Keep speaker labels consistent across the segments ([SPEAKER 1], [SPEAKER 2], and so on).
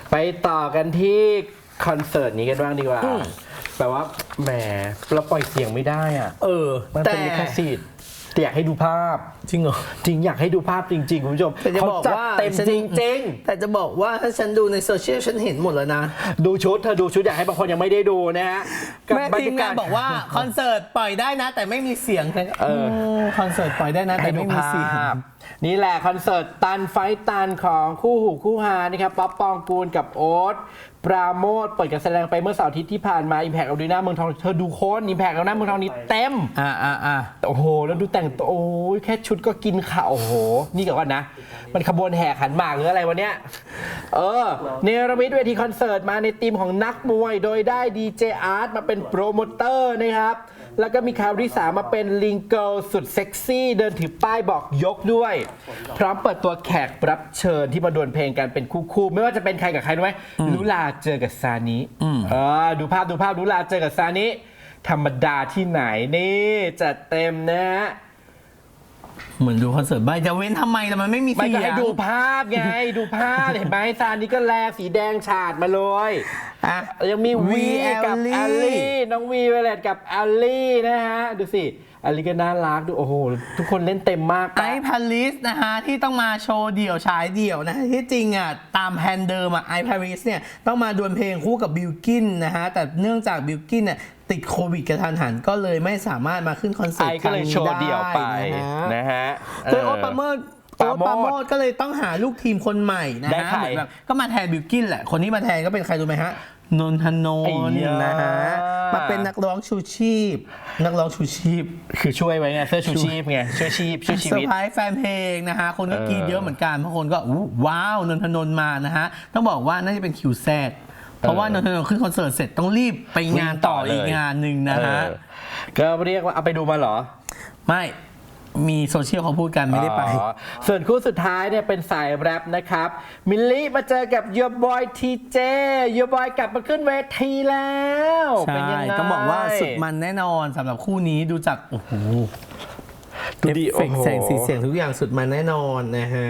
[SPEAKER 1] ไปต่อกันที่คอนเสิร์ตนี้กันบ้างดีกว่าแปลว่าแหมเราปล่อยเสียงไม่ได้อ่ะมันเป็นลิขสิทธิ์แต่อยากให้ดูภาพ
[SPEAKER 2] จริงเหรอ
[SPEAKER 1] จริงอยากให้ดูภาพจริงๆคุณผู้ชมเขาจัดเต็มจริง
[SPEAKER 2] ๆแต่จะบอกว่าถ้าฉันดูในโซเชียลฉันเห็นหมดแล้วนะ
[SPEAKER 1] ดูชุดเธอดูชุดอยากให้บางคนยังไม่ได้ดูนะฮะ
[SPEAKER 2] แม่ทีมงานบอกว่าคอนเสิร์ตปล่อยได้นะแต่ไม่มีเสียงคอนเสิร์ตปล่อยได้นะแต่ไม่มีเสียง
[SPEAKER 1] นี่แหละคอนเสิร์ตตันไฟตันของคู่หูคู่หานะครับป๊อปปองกูลกับโอ๊ตปราโมทเปิดการแสดงไปเมื่อเสาร์อาทิตย์ที่ผ่านมา Impact Arena เมืองทองเธอดูโค้ด Impact Arena เมืองทองนี้เต็มโอ้โหแล้วดูแต่งตัวโอ้ยแค่ชุดก็กินข่าวโอ้โหนี่กับว่านะมันขบวนแห่ขันหมากหรืออะไรวะเนี้ยเนรมิตเวทีคอนเสิร์ตมาในทีมของนักมวยโดยได้ดีเจอาร์ตมาเป็นโปรโมเตอร์นะครับแล้วก็มีคาริสามาเป็นลิงเกิลสุดเซ็กซี่เดินถือป้ายบอกยกด้วยพร้อมเปิดตัวแขกรับเชิญที่มาดวลเพลงกันเป็นคู่ๆไม่ว่าจะเป็นใครกับใครรู้ไหมลุลาเจอกับซานิดูภาพลุลาเจอกับซานิธรรมดาที่ไหนนี่จัดเต็มนะฮะ
[SPEAKER 2] เหมือนดูคอนเสิร์ตใบจะเว้นทำไมแต่มันไม่มีเสียง
[SPEAKER 1] ไม่ก็ให้ดูภาพไงดูภาพเห็นไหมซานิก็แลสีแดงฉาดมาเลยยังมีวีกับแอลลี่น้องวีเวเลตกับแอลลี่นะฮะดูสิแอลลี่ก็น่ารักดูโอ้โหทุกคนเล่นเต็มมาก
[SPEAKER 2] ไอพาริสนะฮะที่ต้องมาโชว์เดี่ยวฉายเดี่ยวนะที่จริงอ่ะตามแผนเดิมอ่ะไอพาริสเนี่ยต้องมาดวลเพลงคู่กับบิลกินนะฮะแต่เนื่องจากบิลกินเนี่ยติดโควิดกระทันหันก็เลยไม่สามารถมาขึ้นคอนเสิร์ต
[SPEAKER 1] ครั้งนี้ได้นะฮะ
[SPEAKER 2] โดยโอ๊ตปราโมทก็เลยต้องหาลูกทีมคนใหม่นะฮะเหมือนแบบก็มาแทนบิลกินแหละคนที่มาแทนก็เป็นใครรู้ไหมฮะนนทนนท์นะฮะมาเป็นนักร้องชูชีพ
[SPEAKER 1] คือช่วยไว้ไงเสื้อชูชีพไงช่วยชีวิต
[SPEAKER 2] เซอร์ไพรส์แฟนเพลงนะฮะคนก็กรี๊ดเยอะเหมือนกันบางคนก็ว้าวนนทนนท์มานะฮะต้องบอกว่าน่าจะเป็นคิวแซดเพราะว่านนทนนท์ขึ้นคอนเสิร์ตเสร็จต้องรีบไปงานต่ออีกงานหนึ่งนะฮะ
[SPEAKER 1] ก็เรียกว่าเอาไปดูมาเหรอ
[SPEAKER 2] ไม่มีโซเชียลเขาพูดกันไม่ได้ไป
[SPEAKER 1] ส่วนคู่สุดท้ายเนี่ยเป็นสายแรปนะครับมิลลี่มาเจอกับโยบอยทีเจโยบอยกลับมาขึ้นเวทีแล้ว
[SPEAKER 2] เป็นยังไงต้องบอกว่าสุดมันแน่นอนสำหรับคู่นี้ดูจากโอ้โหเอฟเฟกต์แสงสีเสียงทุกอย่างสุดมันแน่นอนนะฮะ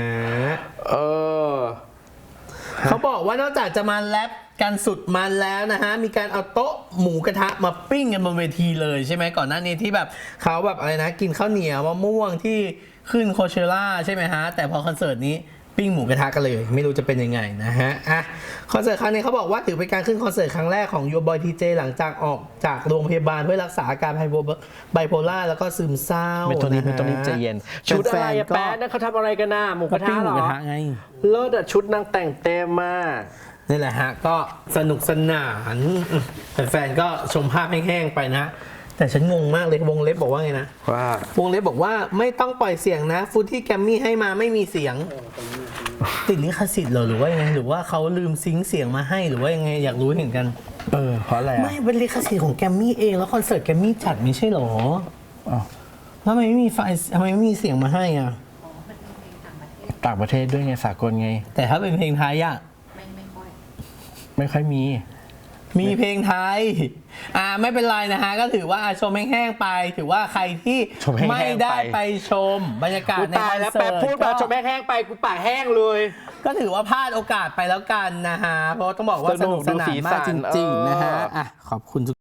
[SPEAKER 2] เขาบอกว่านอกจากจะมาแรปกันสุดมันแล้วนะฮะมีการเอาโต๊ะหมูกระทะมาปิ้งกันบนเวทีเลยใช่ไหมก่อนหน้านี้ที่แบบเขาแบบอะไรนะกินข้าวเหนียวมะม่วงที่ขึ้นโคเชล่าใช่ไหมฮะแต่พอคอนเสิร์ตนี้ปิ้งหมูกระทะกันเลยไม่รู้จะเป็นยังไงนะฮะคอนเสิร์ตครั้งนี้เขาบอกว่าถือเป็นการขึ้นคอนเสิร์ตครั้งแรกของโยบอยทีเจหลังจากออกจากโรงพยาบาลเพื่อรักษาอาการไบโพล่าแล้วก็ซึมเศร้า
[SPEAKER 1] ไม่ตรงนี้ใจเย็นชุดอะไรแป๊ดนั่นเขาทำอะไรกันน่ะหมูกระทะหรอ
[SPEAKER 2] ไง
[SPEAKER 1] เลิศอะชุดนางแต่งเต็มมาก
[SPEAKER 2] นี่แหละฮะก็สนุกสนานแฟนๆก็ชมภาพแห้งๆไปนะแต่ฉันงงมากเลยวงเล็บบอกว่าไงนะ
[SPEAKER 1] ว่าว
[SPEAKER 2] งเล็บบอกว่าไม่ต้องปล่อยเสียงนะฟุตที่แกมมี่ให้มาไม่มีเสียงติดลิขสิทธิ์เหรอหรือว่ายังไงหรือว่าเขาลืมซิงค์เสียงมาให้หรือว่ายังไงอยากรู้เห็นกัน
[SPEAKER 1] เพราะอะไร
[SPEAKER 2] ไม่เป็นลิขสิทธิ์ของแกมมี่เองแล้วคอนเสิร์ตแกมมี่จัดไม่ใช่หรอแล้วทำไมไม่มีไฟทำไมไม่มีเสียงมาให้อ่ะ
[SPEAKER 1] ต่างประเทศด้วยไงสากลไง
[SPEAKER 2] แต่ถ้าเป็นเพลงไทยอ่ะ
[SPEAKER 1] ไม่ค่อยมี
[SPEAKER 2] เพลงไทยไม่เป็นไรนะฮะก็ถือว่าชมแห้งๆไปถือว่าใครที่ไม่ได้ไปชมบรรยากาศในคอนเสิร์ต
[SPEAKER 1] พูดมาชมแห้งๆไปกูปากแห้งเลย
[SPEAKER 2] ก็ถือว่าพลาดโอกาสไปแล้วกันนะฮะเพราะต้องบอกว่าสนุกสนานมากจริงๆนะฮะขอบคุณ